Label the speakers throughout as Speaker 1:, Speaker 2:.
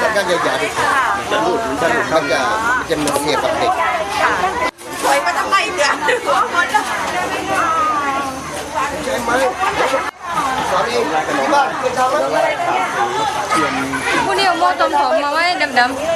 Speaker 1: ก็จะใหญ่มันจะมันเสียบกับเด็ก
Speaker 2: สวยมาทำไมเนี่ยหัวคนละ
Speaker 1: ใช่ไหมสอนเองที่บ้านเคยทำไหม
Speaker 3: ผู้นี้เอาโม่ต้มผมมาไว้ดำ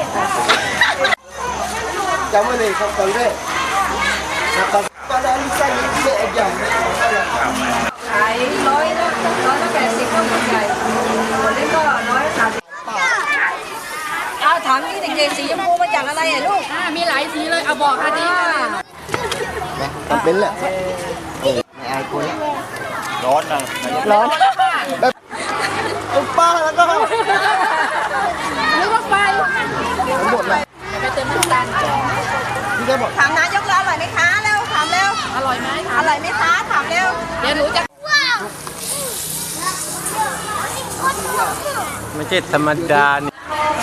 Speaker 1: จำไว้เลยครับตอนแรกตอนนั้นใส่เยอะอย่าง
Speaker 3: ขาย180ก็หมดใหญ่คนเล็กก็130เอาถามนี่เด็กๆสีชมพูมาจากอะไรอ่ะลูก
Speaker 2: มีหลายสีเลยเอาบอกค่ะดิ
Speaker 1: ทำเป็นแหละไม่อายคนร้อนนะ
Speaker 3: ร้อน
Speaker 1: ตุ๊กป้าแล้วก็
Speaker 2: นึกว่าไฟ
Speaker 1: ทั้งหมดเลย
Speaker 2: ไปเติมน้ำตาล
Speaker 1: ที่ได้บอก
Speaker 2: ถามนายกแล้วอร่อยไหมคะเร็วถามเร็วอร่อยไหมอร่อยไหมคะถามเร็วเดี๋ยวหนูจะ
Speaker 4: ไม่ใช่ธรรมดาเนี่ย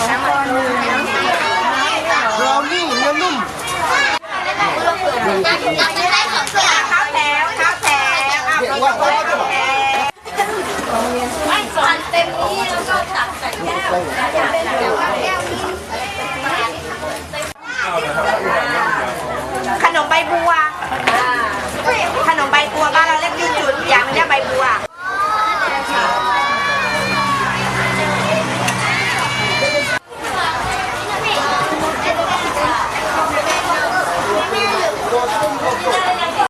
Speaker 1: เรานี่เนื้อนุ่ม
Speaker 2: ข้าวแถว
Speaker 1: เด็กว่าเขาจะบอก
Speaker 2: ไม่สอนเต็มนี้แล้วก็ตักใส่แก้ว